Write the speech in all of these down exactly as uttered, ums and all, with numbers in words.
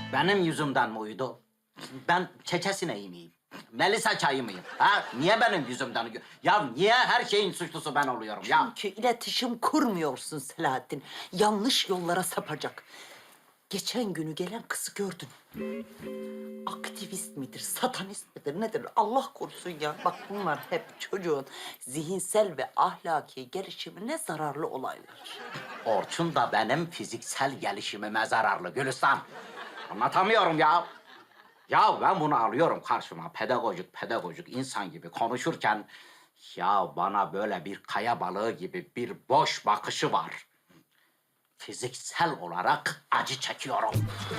Benim yüzümden mi uyudu? Ben çeçesineyi miyim? Melisa çayı mıyım? Ha? Niye benim yüzümden uyuyor? Ya niye her şeyin suçlusu ben oluyorum ya? Çünkü iletişim kurmuyorsun Selahattin. Yanlış yollara sapacak. Geçen günü gelen kızı gördün. Aktivist midir, satanist midir, nedir? Allah korusun ya. Bak bunlar hep çocuğun zihinsel ve ahlaki gelişimine zararlı olaylar. Orçun da benim fiziksel gelişimime zararlı Gülistan. Anlatamıyorum ya. Ya ben bunu alıyorum karşıma pedagojik pedagojik insan gibi konuşurken... ...ya bana böyle bir kaya balığı gibi bir boş bakışı var. Fiziksel olarak acı çekiyorum.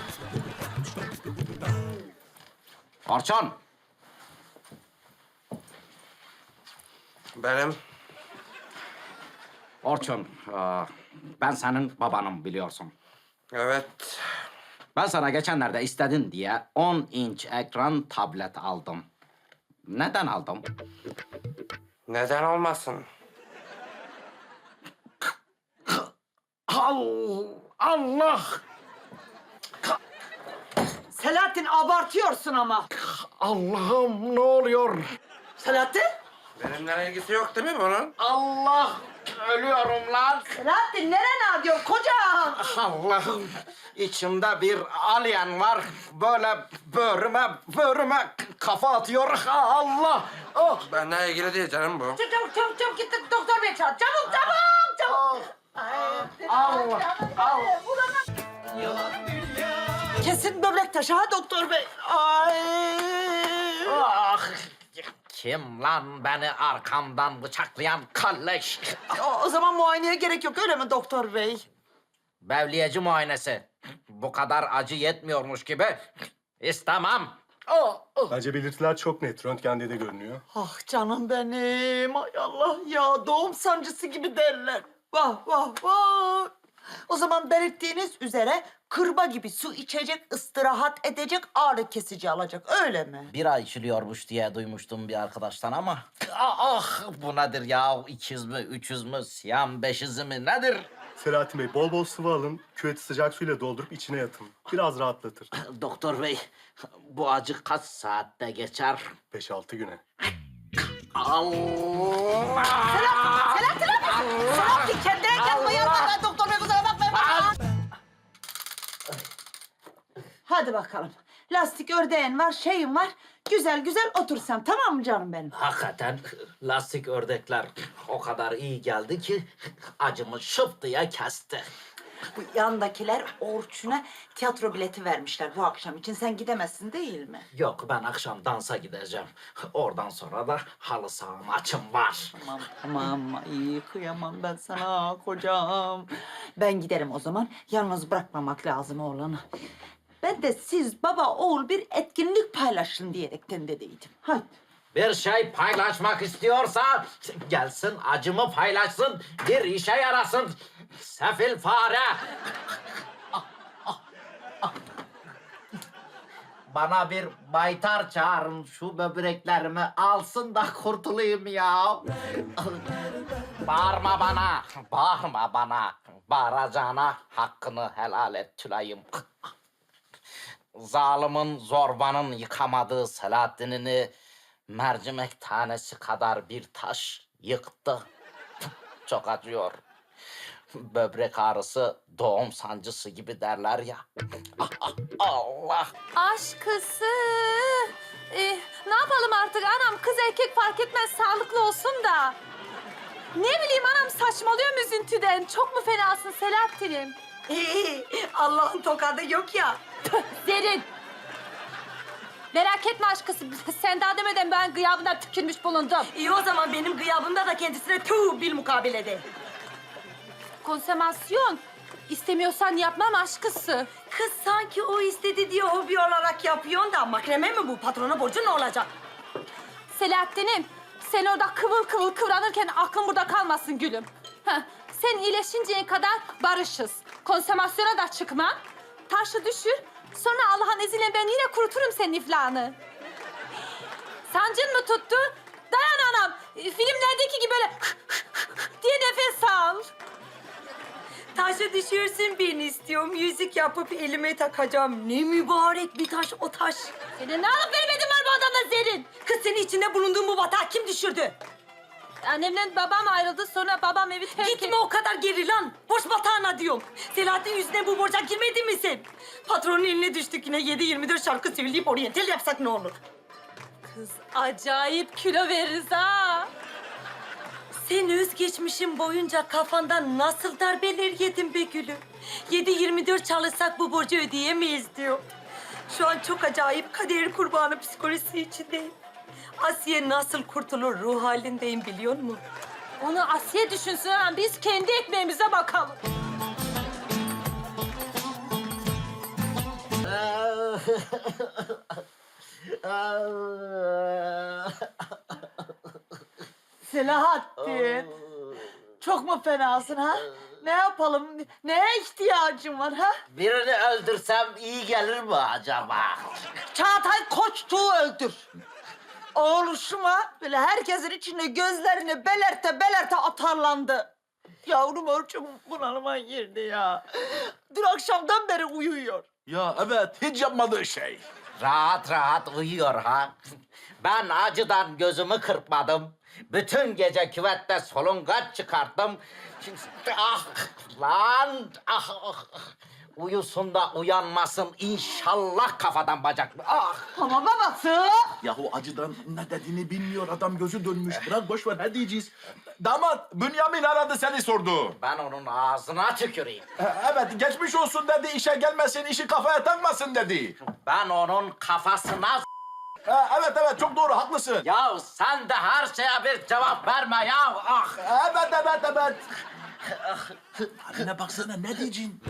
Orçun. Benim. Orçun, e, ben senin babanım biliyorsun. Evet. Ben sana geçenlerde istedin diye on inç ekran tablet aldım. Neden aldım? Neden olmasın? Allah! Selahattin abartıyorsun ama. Allah'ım ne oluyor? Selahattin? Benimle ilgisi yok değil mi bunun? Allah! Ölüyorum lan! Selahattin nereye diyor kocam? Allah'ım! İçimde bir alien var. Böyle böğrüme, böğrüme kafa atıyor. Allah! Oh! Benimle ilgili değil canım bu. Çabuk çabuk çabuk, çabuk git doktor bey çağır. Çabuk çabuk çabuk. Allah! Allah! Kesin böbrek taşı ha doktor bey. Ay. Ah! Kim lan beni arkamdan bıçaklayan kalleş? O, o zaman muayeneye gerek yok öyle mi doktor bey? Bevliyeci muayenesi. Bu kadar acı yetmiyormuş gibi. İstemem. Oh, oh. Bence belirtiler çok net. Röntgende de görünüyor. Ah canım benim. Ay Allah ya doğum sancısı gibi derler. Vah vah vah. O zaman belirttiğiniz üzere kırba gibi su içecek, istirahat edecek, ağrı kesici alacak. Öyle mi? Bir ay içiliyormuş diye duymuştum bir arkadaştan ama... Ah, ah bu nedir ya? İkiz mi, üçüz mü, siyam, beşiz mi nedir? Selahattin Bey, bol bol sıvı alın. Küveti sıcak suyla doldurup içine yatın. Biraz rahatlatır. Doktor bey, bu acı kaç saatte geçer? Beş altı güne. Allah! Selahattin abi! Selahattin kendine gel bayılma. Ben doktor bey kusura bakmayın. Hadi bakalım. Lastik ördeğin var, şeyin var. Güzel güzel otur sen, tamam mı canım benim? Hakikaten lastik ördekler o kadar iyi geldi ki acımı şıp diye kesti. Bu yandakiler Orçun'a tiyatro bileti vermişler bu akşam için. Sen gidemezsin değil mi? Yok ben akşam dansa gideceğim. Oradan sonra da halı saha maçım var. Tamam tamam. Ay kıyamam ben sana kocam. Ben giderim o zaman. Yalnız bırakmamak lazım oğlanı. Ben de siz baba oğul bir etkinlik paylaşın diyerekten dediydim. Hadi. Bir şey paylaşmak istiyorsa gelsin acımı paylaşsın, bir işe yarasın. Sefil fare. Bana bir baytar çağırın, şu böbreklerimi alsın da kurtulayım ya. Bağırma bana, bağırma bana. Bağıracağına hakkını helal et Tülay'ım. Zalimin, zorbanın yıkamadığı Selahattin'ini mercimek tanesi kadar bir taş yıktı. Çok acıyor. Böbrek ağrısı doğum sancısı gibi derler ya. Ah, ah, Allah! Aşkısı. Ee, ne yapalım artık anam? Kız erkek fark etmez, sağlıklı olsun da. Ne bileyim anam, saçmalıyorum üzüntüden. Çok mu fenasın Selahattin'im? Allah'ın tokadı yok ya. Derin. Merak etme aşkısı. Sen daha demeden ben gıyabına tükürmüş bulundum. İyi o zaman benim gıyabımda da kendisine tüh bil mukabelede. Konsemasyon. İstemiyorsan yapmam aşkısı. Kız sanki o istedi diye hobi olarak yapıyorsun da makreme mi bu? Patrona borcu ne olacak? Selahattin'im, sen orada kıvıl kıvıl kıvranırken aklın burada kalmasın gülüm. Heh, sen iyileşinceye kadar barışız. Konsomasyona da çıkma. Taşı düşür. Sonra Allah'ın izniyle ben yine kuruturum senin iflahını. Sancın mı tuttu? Dayan anam. Filmlerdeki gibi böyle diye nefes al. Taşı düşürsün beni istiyorum. Yüzük yapıp elime takacağım. Ne mübarek bir taş o taş. Senin ne alıp vermedin var bu adamla Zerrin? Kız senin içinde bulunduğun bu batağı kim düşürdü? Annemle babam ayrıldı, sonra babam evi terk etti. Gitme o kadar geri lan. Boş batağına diyorum. Selahattin yüzüne bu borca girmedin mi sen? Patronun eline düştük yine yedi yirmi dört şarkı söyleyip oryantal yapsak ne olur? Kız acayip kilo veririz ha. Sen özgeçmişin boyunca kafandan nasıl darbeler yedin be gülüm? Yedi yirmi dört çalışsak bu borcu ödeyemeyiz diyor. Şu an çok acayip kader kurbanı psikolojisi içindeyim. Asiye nasıl kurtulur ruh halindeyim biliyor musun? Onu Asiye düşünsün ama biz kendi ekmeğimize bakalım. Selahattin. Çok mu fenasın ha? Ne yapalım? Neye ihtiyacın var ha? Birini öldürsem iyi gelir mi acaba? Çağatay Koçtuğ'u öldür. Oğluşuma böyle herkesin içinde gözlerini belerte belerte atarlandı. Yavrum Orçun bunalıma girdi ya. Dün akşamdan beri uyuyor. Ya evet, hiç yapmadığı şey. Rahat rahat uyuyor ha. Ben acıdan gözümü kırpmadım. Bütün gece küvette solungaç çıkarttım. Şimdi, ah lan ah, ah. Uyusun da uyanmasın inşallah kafadan bacak. Ah. Ama babası. Yahu acıdan ne dediğini bilmiyor, adam gözü dönmüş. Bırak boş ver, ne diyeceğiz? Damat, Bünyamin aradı seni sordu. Ben onun ağzına tüküreyim. E, Evet, geçmiş olsun dedi, işe gelmesin, işi kafaya takmasın dedi. Ben onun kafasına... E, evet evet, çok doğru, haklısın. Ya sen de her şeye bir cevap verme ya. Ah. Evet evet evet. Haline baksana, ne diyeceksin?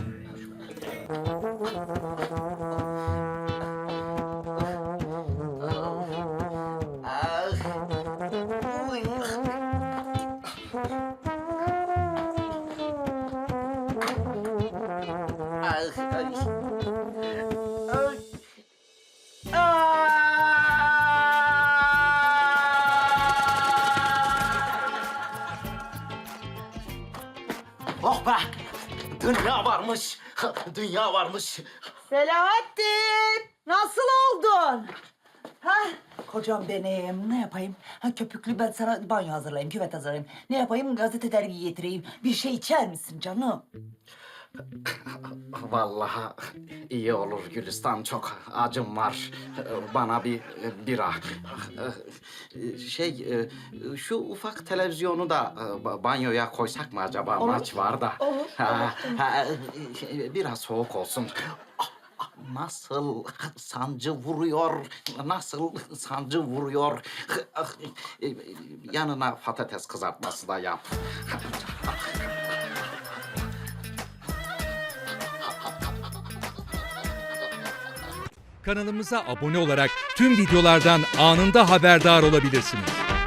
Oh be! Dünya varmış. Dünya varmış. Selahattin. Nasıl oldun? Ha? Kocam benim. Ne yapayım? Ha, köpüklü ben sana banyo hazırlayayım, küvet hazırlayayım. Ne yapayım? Gazete dergi getireyim. Bir şey içer misin canım? Vallahi iyi olur Gülistan, çok acım var. Bana bir bira. Şey, şu ufak televizyonu da banyoya koysak mı acaba? Olur. Maç var da. Olur, Ha, ha, biraz soğuk olsun. Nasıl sancı vuruyor, nasıl sancı vuruyor. Yanına patates kızartması da yap. Kanalımıza abone olarak tüm videolardan anında haberdar olabilirsiniz.